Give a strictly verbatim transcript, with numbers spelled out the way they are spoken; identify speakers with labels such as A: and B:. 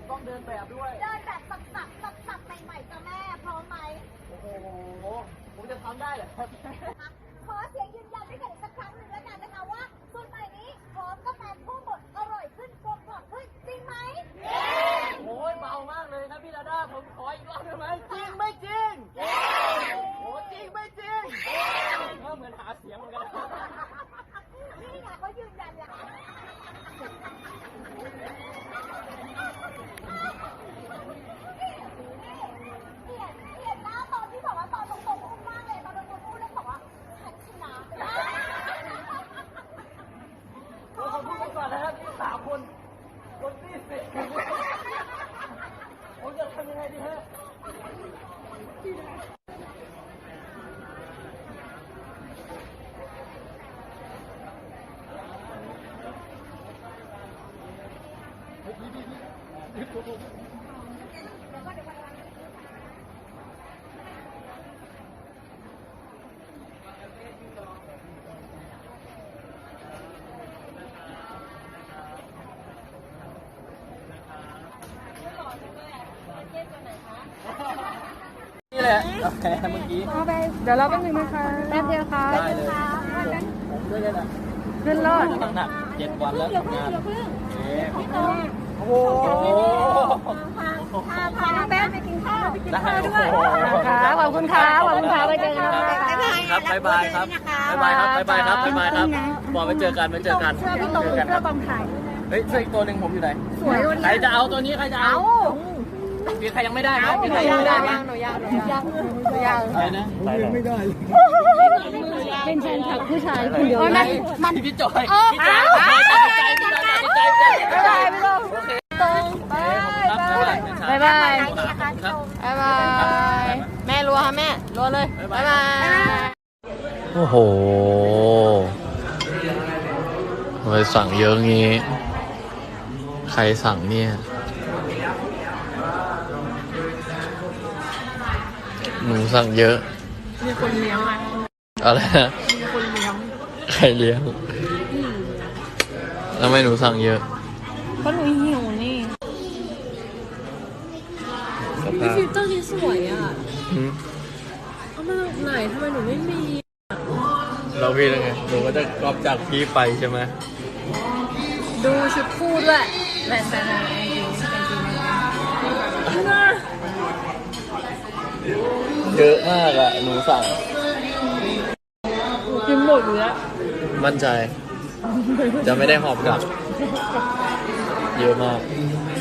A: ต้องเดินแบบด้วย
B: เดินแบบสับสับสับสับใหม่ๆจ้ะแม่พร้อมไหม
A: โอ้โหผมจะทำได้เหรอครับ
B: ขอเสียงยืนยันด้วยกันอีกสักครั้งหนึ่งแล้วกันนะคะว่าสูตรใหม่นี้หอมกาแฟคู่บดอร่อยขึ้นกลมกล่อมขึ้นจริงไหม
A: โอ้ยเบามากเลยครับพี่ดาด้าผมขออีกรอบได้ไหมจริงไม่จริงโอ้จริงไม่จริงก็เหมือนหาเสียงเหมือนกัน
B: นี่ไงเขายืนยันแล้วเปลี่ยนเปลี่ยนหน้าตอนที่บอกว่าตอนตรงๆอุ้มมากเลยตอนตรงๆอุ้มแล้วบอกว่าฉันชนะ
A: เราขอพูดกันก่อนนะครับที่สามคนคนที่สี่ผมจะทำยังไงดีฮะนี่แหละกาแฟเมื่อกี้
C: เอาไปเดี๋ยวเราแป๊บนึงนะคะแป๊บเดียวค่ะ
A: ได้เลยผมด้วยเลยนะ
C: ขึ้นรอด
A: ตั้งหนักเจ็ดวันแล้วทำงานโอ้โห
B: พาพาแป๊บไปกินข้าวไปกินข้าวด้วย
C: ค่ะขอบคุณค่ะขอบคุณค่ะไปเจอกัน
A: ครับบ๊ายบายครับบ๊ายบายครับบ๊ายบายครับบ๊ายบายครับบอกไปเจอกันไปเจอกัน
C: เสื้อพี่ตรงเสื้อกองถ่าย
A: เฮ้ยเสื้ออีกตัวหนึ่งผมอยู่ไหน
C: สวยวันนี้
A: ใครจะเอาตัวนี้ใครจะเอามีใครยังไม่ได้ไหมมีใครยังไม่ได้ไหม
C: หนูยังหนูยังหนูยัง
A: อะไรนะยังไม่ได้
C: เป็นแฟนคลับผู้ชายคนเดียวนะ
A: มันพี่จอยพี่จอยตัดสินใจพี่จอยตัดสินใจ
C: บ๊ายบายพี่ตรงตรงบายบายบายบายบายแม่รัวค่ะแม่รัวเลยบายบาย
A: โอ้โหทำไมสั่งเยอะงี้ใครสั่งเนี่ยหนูสั่งเยอะ
C: มีคนเลี้ยงอ่ะ
A: อะไรนะ
C: มีคนเลี้ยง
A: ใครเลี้ยงแล้วทำไมหนูสั่งเยอะ
C: เพราะหนูหิวนี่พี่ฟิลเตอร์นี้สวยอ่ะเอามาจากไหนทำไมหนูไม่มี
A: เราพี่ยังไงหนูก็จะกอบจากพี่ไปใช่ไหม
C: ดูชุดคู่ด้วยแบนแบนอะไร
A: เยอะมากอะหนูสั่ง
C: กินหมดอยู่แล้ว
A: มั่นใจจะไม่ได้หอบกลับเยอะมาก